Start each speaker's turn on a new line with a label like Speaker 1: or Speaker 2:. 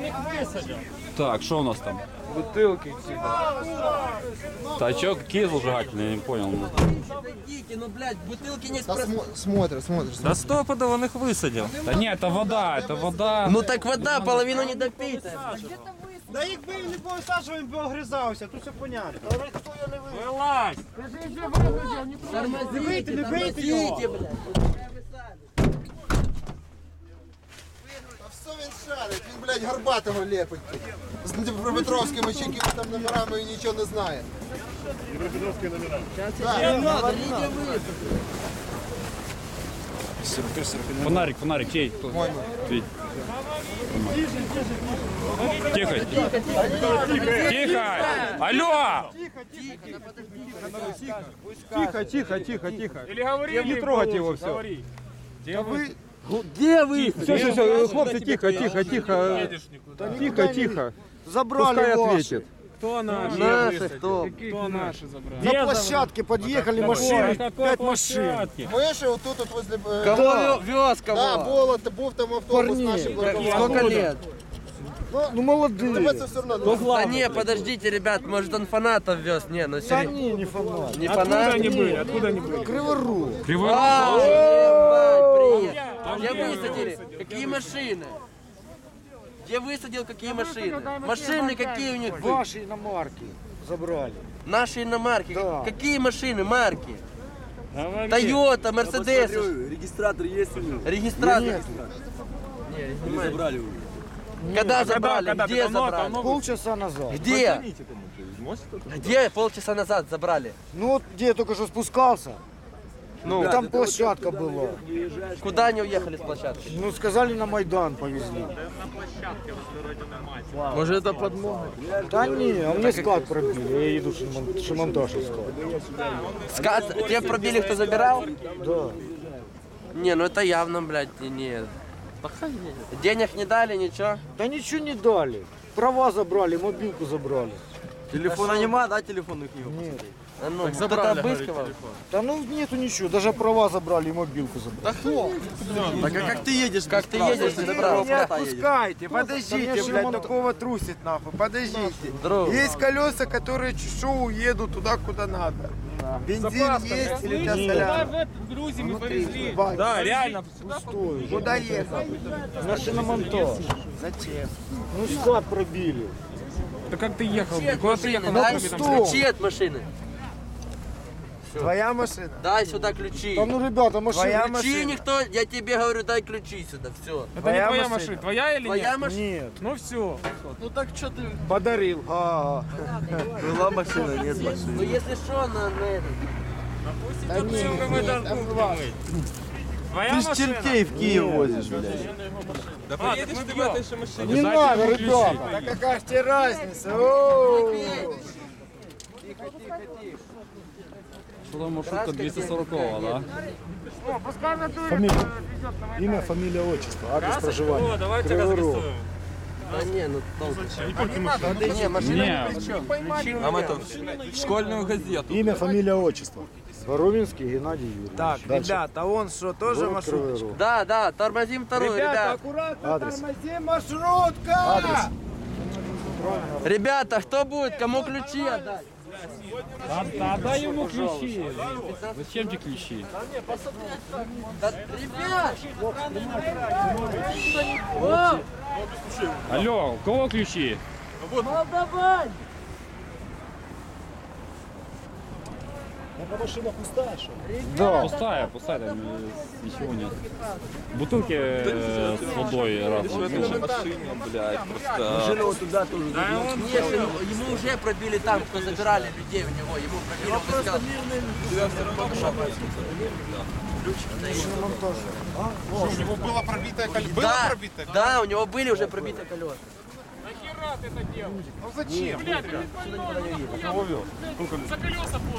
Speaker 1: них висадять.
Speaker 2: Так, что у нас там?
Speaker 3: Бутылки типа.
Speaker 2: Тачок какие зажигательные, я не понял.
Speaker 4: Подойдите, ну, блядь, бутылки не
Speaker 5: Да смотришь.
Speaker 1: Да стопудово он их висадив.
Speaker 2: Да нет, это вода.
Speaker 4: Ну так вода, половину не допита.
Speaker 6: Да якби він не повисаджував, він би огризався, тут все понятно.
Speaker 1: Вилазь!
Speaker 4: Тормозите,
Speaker 6: не бейте його.
Speaker 4: тормозите, блядь.
Speaker 5: А все він шарить, він, блядь, Горбатого лепить. З Дніпропетровськими чи якими там номерами і нічого не знає.
Speaker 6: Дніпропетровські номера.
Speaker 2: Фонарик, чей? Вить. Тихо. Алло!
Speaker 3: Тихо.
Speaker 1: Или говори,
Speaker 3: Не трогать его все.
Speaker 1: Где вы?
Speaker 4: Где вы?
Speaker 3: Все, хлопцы, тихо. Тихо.
Speaker 6: Забрали
Speaker 3: Пускай
Speaker 6: ваши.
Speaker 3: ответит.
Speaker 1: Кто наши?
Speaker 4: Наши кто?
Speaker 1: Кто наши забрали?
Speaker 6: На площадке подъехали машины,
Speaker 1: Какой
Speaker 6: 5 машин.
Speaker 1: площадки?
Speaker 5: Ми ще отут от возле...
Speaker 4: Кого вез
Speaker 5: Да,
Speaker 4: кого?
Speaker 5: був там автобус
Speaker 6: Парні.
Speaker 5: наші блокували.
Speaker 4: Сколько лет?
Speaker 6: Ну молодые.
Speaker 5: Тебе це все одно.
Speaker 4: Да не, подождите, ребят, может он фанатов вез? Не, ну
Speaker 6: Да
Speaker 4: серьезно.
Speaker 6: не фанат.
Speaker 4: Не фанат?
Speaker 1: Они были, откуда они были?
Speaker 6: Криворук.
Speaker 4: А, ебать, привет. Где высадили? Какие машины? Где высадил какие машины? Машины какие у них были?
Speaker 6: Ваши иномарки забрали.
Speaker 4: Наши иномарки.
Speaker 6: Да.
Speaker 4: Какие машины, марки?
Speaker 1: Говори.
Speaker 4: Тойота, Мерседес.
Speaker 7: Регистратор есть у него?
Speaker 4: Регистратор.
Speaker 7: Или забрали его?
Speaker 4: Когда забрали?
Speaker 1: когда?
Speaker 4: Где
Speaker 1: Давно,
Speaker 4: забрали?
Speaker 1: давно?
Speaker 6: Полчаса назад.
Speaker 4: Где? Где полчаса назад забрали?
Speaker 6: Ну вот где я только что спускался.
Speaker 4: Ну,
Speaker 6: И там площадка была.
Speaker 4: куда они уехали с площадки?
Speaker 6: Ну сказали, на Майдан повезли.
Speaker 4: Может это подмога?
Speaker 6: Да не, а мне склад пробили. Я еду шиномонтаж искал.
Speaker 4: Скат, те пробили, кто забирал?
Speaker 6: Да.
Speaker 4: Не, ну это явно, блядь, нет. Денег не дали, ничего.
Speaker 6: Да ничего не дали. Права забрали, мобилку забрали.
Speaker 7: Телефона нема, да, телефон их не
Speaker 6: Нет.
Speaker 4: А ну, кто-то обыскивал?
Speaker 6: Да ну нету ничего, даже права забрали и мобилку забрали.
Speaker 7: Так а как ты едешь?
Speaker 4: Как ты едешь, ты забрал?
Speaker 7: Не отпускайте, подождите,
Speaker 6: Там
Speaker 7: блядь,
Speaker 6: я
Speaker 7: такого трусит нахуй, подождите.
Speaker 4: Друг.
Speaker 7: Есть колеса, которые шоу едут туда, куда надо. Бензин есть или тебя соляна?
Speaker 1: в Грузии мы повезли.
Speaker 7: Бать,
Speaker 1: Да, реально.
Speaker 6: Пустой.
Speaker 7: Куда ехал?
Speaker 6: На шиномонтаж.
Speaker 7: Зачем?
Speaker 6: Ну склад пробили.
Speaker 1: Да как ты ехал? Куда ты ехал?
Speaker 4: Дай
Speaker 6: пустом.
Speaker 4: ключи от машины.
Speaker 7: Твоя машина?
Speaker 4: Дай сюда ключи.
Speaker 6: Да ну ребята, машина.
Speaker 7: Твоя
Speaker 4: Ключи
Speaker 7: машина?
Speaker 4: никто, я тебе говорю, дай ключи сюда, все.
Speaker 1: Это
Speaker 7: Твоя
Speaker 1: не твоя
Speaker 7: машина.
Speaker 1: машина. Твоя или
Speaker 4: Твоя
Speaker 1: нет?
Speaker 4: машина?
Speaker 6: Нет.
Speaker 1: Ну все.
Speaker 4: Ну так что ты?
Speaker 6: Подарил.
Speaker 7: Была машина, нет машины.
Speaker 4: Ну если что, на это.
Speaker 1: Твоя
Speaker 7: Ты ж
Speaker 1: машина?
Speaker 7: чертей в Киев возишь, блядь.
Speaker 1: Да поедешь ты в этой же машине.
Speaker 6: Не надо, ребята.
Speaker 7: Да какая ж тебе разница? Оу!
Speaker 2: Что там маршрутка 240, да?
Speaker 6: Имя, фамилия, отчество, адрес проживания.
Speaker 1: О, давайте разрисуем.
Speaker 4: Да не, ну толку. Не, машина
Speaker 2: Не.
Speaker 4: ни при чем.
Speaker 7: Нам это в школьную газету.
Speaker 6: Имя, фамилия, отчество. Воровинский Геннадий Юрьевич.
Speaker 7: Так,
Speaker 6: Дальше.
Speaker 7: ребята, а он что, тоже
Speaker 6: Город Кривой
Speaker 7: маршруточка?
Speaker 6: Рог.
Speaker 4: Да, да, тормозим вторую, ребят.
Speaker 7: аккуратно,
Speaker 6: Адрес.
Speaker 7: тормози, маршрутка!
Speaker 6: Адрес.
Speaker 4: Ребята, кто будет, кому ключи отдать?
Speaker 2: Отдай ему ключи. Зачем тебе ключи?
Speaker 4: Да, ребят!
Speaker 2: Алло, у кого ключи?
Speaker 4: Молдаван!
Speaker 6: Эта машина пустая, что ли?
Speaker 2: Да. Пустая, там ничего нет. Бутылки с водой раз.
Speaker 7: Машина вот туда тоже.
Speaker 4: Нет, ему уже пробили там, кто забирали людей у него, ему пробили, он сказал.
Speaker 5: У него было пробитое колесо.
Speaker 4: Да, да, у него были уже пробитые колеса.
Speaker 5: Ну зачем?
Speaker 1: За колеса